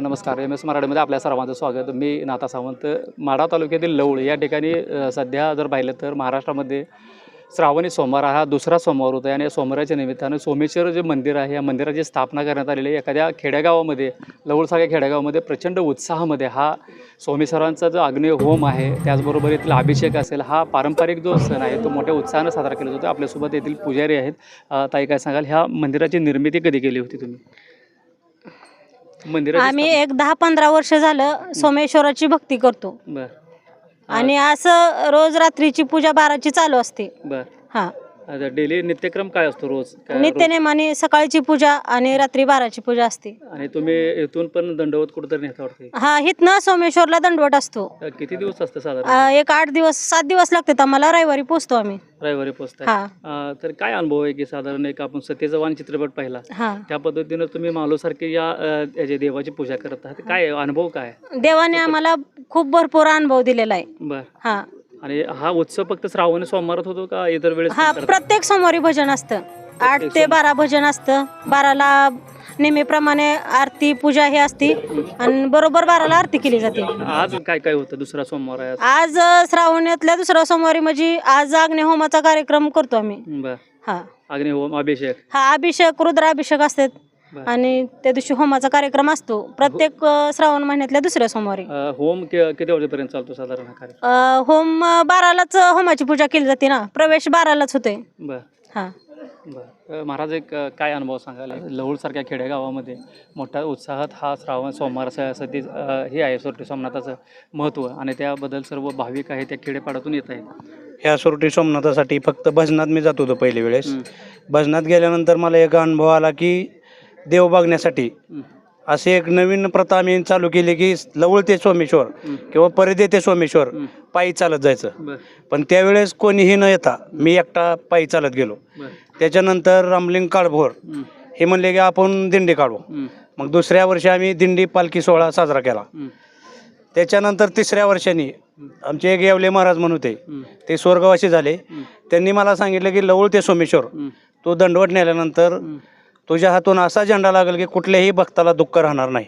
नमस्कार. MS मराठीमध्ये आपल्या सर्वांचं स्वागत. मी नाथा सावंत. माढा तालुक्यातील लवळ या ठिकाणी सध्या जर पाहिलं तर महाराष्ट्रामध्ये श्रावणी सोमवार हा दुसरा सोमवार होता आणि या सोमवाराच्या निमित्तानं सोमेश्वर जे मंदिर आहे या मंदिराची स्थापना करण्यात आलेली आहे. एखाद्या खेडेगावामध्ये लवळसारख्या खेडेगावामध्ये प्रचंड उत्साहामध्ये हा सोमेश्वरांचा जो अग्नी होम आहे त्याचबरोबर येथील अभिषेक असेल हा पारंपरिक जो सण आहे तो मोठ्या उत्साहानं साजरा केला जातो. आपल्यासोबत येथील पुजारी आहेत. ताई काय सांगाल, ह्या मंदिराची निर्मिती कधी केली होती तुम्ही? आम्ही एक 10-15 वर्ष झालं सोमेश्वराची भक्ती करतो. बर आणि असं रोज रात्रीची पूजा 12ची चालू असते. बर हा, डेली नित्यक्रम काय असतो रोज? नित्यनेमाने सकाळची पूजा आणि रात्री 12ची पूजा असते. आणि तुम्ही इथून पण दंडवत कुठेतरी नेता वाटते? हा, हिथनं सोमेश्वरला दंडवत असतो. किती दिवस असतं साधारण? एक 8 दिवस 7 दिवस लागतात आम्हाला. रविवारी पोचतो आम्ही. रविवारी पोचताय? हा. तर काय अनुभव आहे की साधारण एक आपण सतीचा वाण चित्रपट पाहिला हा, त्या पद्धतीनं तुम्ही मालोसारखी या देवाची पूजा करत आहात, काय अनुभव काय? देवाने आम्हाला खूप भरपूर अनुभव दिलेला आहे. बर. हा, आणि हा उत्सव फक्त श्रावणी सोमवारात होतो का इतर वेळेस? हा, प्रत्येक सोमवारी भजन असतं. 8 ते 12 भजन असतं. 12ला नेहमीप्रमाणे आरती पूजा हे असते आणि बरोबर 12ला आरती केली जाते. आज काय काय होतं? दुसरा सोमवार आहे आज श्रावणातल्या दुसऱ्या सोमवारी म्हणजे आज अग्निहोमाचा कार्यक्रम करतो आम्ही. बर. हा, अग्निहोम अभिषेक. हा, अभिषेक रुद्राभिषेक असतात आणि त्या दिवशी होमाचा कार्यक्रम असतो प्रत्येक श्रावण महिन्यातल्या दुसऱ्या सोमवारी. होम किती वाजेपर्यंत चालतो साधारण हा कार्यक्रम? होम 12लाच होमाची पूजा केली जाते ना, प्रवेश 12लाच होतोय. बर. हा, बरं. महाराज एक काय अनुभव सांगाल? लवळसारख्या खेडेगावामध्ये मोठ्या उत्साहात हा श्रावण सोमवार सती हे आहे सोरटी सोमनाथाचं महत्त्व आणि त्याबद्दल सर्व भाविक आहे त्या खेडेपाड्यातून येत आहेत. ह्या सोरटी सोमनाथासाठी फक्त भजनात मी जात होतो पहिल्या वेळेस. भजनात गेल्यानंतर मला एक अनुभव आला की देव बघण्यासाठी अशी एक नवीन प्रथा आम्ही चालू केली की लवळ ते सोमेश्वर किंवा परिधे ते सोमेश्वर पायी चालत जायचं. पण त्यावेळेस कोणीही न येता मी एकटा पायी चालत गेलो. त्याच्यानंतर रामलिंग काळभोर हे म्हणले की आपण दिंडी काढू. मग दुसऱ्या वर्षी आम्ही दिंडी पालखी सोहळा साजरा केला. त्याच्यानंतर तिसऱ्या वर्षांनी आमचे एक येवले महाराज म्हणून ते स्वर्गवासी झाले. त्यांनी मला सांगितलं की लवळ ते सोमेश्वर तो दंडवट नेल्यानंतर तुझ्या हातून असा झेंडा लागेल की कुठल्याही भक्ताला दुःख राहणार नाही.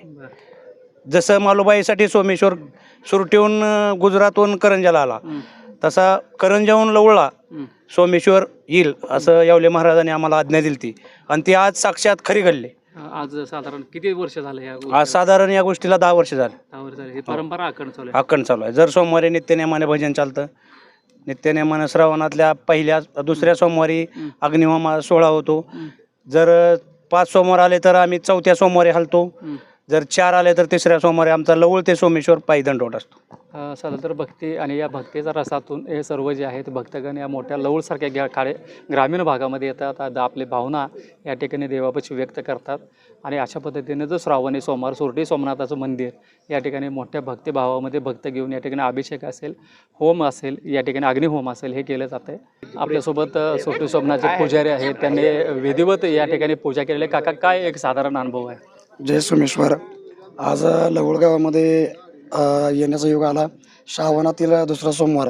जसं मालुबाईसाठी सोमेश्वर सुरटीहून गुजरातहून करंजाला आला तसा करंजाहून लवळला सोमेश्वर येईल असं येवले महाराजांनी आम्हाला आज्ञा दिली ती आणि ती आज साक्षात खरी घडली. आज साधारण किती वर्ष झाले? आज साधारण या गोष्टीला 10 वर्ष झाले. 10 वर्ष झाले. ही परंपरा अखंड चालू आहे. जर सोमवारी नित्यनेमाने भजन चालतं. नित्यनेमाने श्रावणातल्या पहिल्या दुसऱ्या सोमवारी अग्निहोम सोहळा होतो. जर 5 सोमवार आले तर आम्ही 4थ्या सोमवारी हलतो. जर 4 आले तर 3ऱ्या सोमवारी आमचा लवळ ते सोमेश्वर पायी दंडवट असतो. साधारण तर भक्ती आणि या भक्तीच्या रसातून हे सर्व जे आहेत भक्तगण या मोठ्या लवळसारख्या ग्रामीण भागामध्ये येतात. आपली भावना या ठिकाणी देवापाशी व्यक्त करतात आणि अशा पद्धतीने जो श्रावणी सोमवार सोरटी सोमनाथाचं मंदिर या ठिकाणी मोठ्या भक्तिभावामध्ये भक्त घेऊन या ठिकाणी अभिषेक असेल, होम असेल, या ठिकाणी अग्निहोम असेल हे केलं जातं आहे. आपल्यासोबत सोरटी सोमनाथचे पुजारी आहेत, त्यांनी विधिवत या ठिकाणी पूजा केलेली. काका, काय एक साधारण अनुभव आहे? जय सोमेश्वर. आज लवळ गावामध्ये येण्याचा योग आला. श्रावणातील दुसरा सोमवार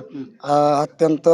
अत्यंत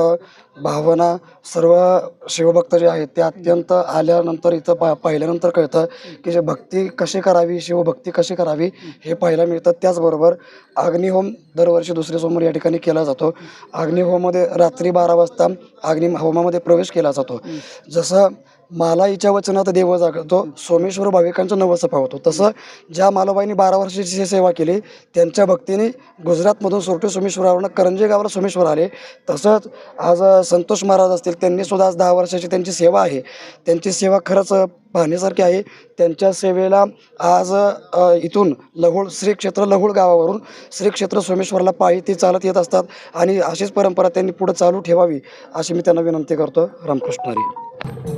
भावना सर्व शिवभक्त जे आहेत ते अत्यंत आल्यानंतर इथं पाहिल्यानंतर कळतं की जे भक्ती कशी करावी, शिवभक्ती कशी करावी हे पाहायला मिळतं. त्याचबरोबर अग्निहोम दरवर्षी दुसरे सोमवार या ठिकाणी केला जातो. अग्निहोमामध्ये रात्री 12 वाजता अग्निहोमामध्ये प्रवेश केला जातो. जसं मालाईच्या वचनात देव जागतो, सोमेश्वर भाविकांचं नवस पावतो. तसं ज्या मालोबाईंनी 12 वर्षाची सेवा केली त्यांच्या भक्तीने गुजरातमधून सोरटी सोमेश्वरावरून करंजे गावाला सोमेश्वर आले. तसंच आज संतोष महाराज असतील, त्यांनी सुद्धा आज 10 वर्षाची त्यांची सेवा आहे. त्यांची सेवा खरंच पाहण्यासारखी आहे. त्यांच्या सेवेला आज इथून लहुळ श्री क्षेत्र लहुळ गावावरून श्री क्षेत्र सोमेश्वरला पायी ते चालत येत असतात आणि अशीच परंपरा त्यांनी पुढे चालू ठेवावी अशी मी त्यांना विनंती करतो. रामकृष्ण हरी.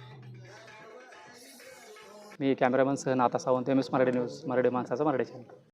मी कॅमेरामन सह नाथा सावंत, MS मराठी न्यूज, मराठी माणसाचा मराठी चॅनल.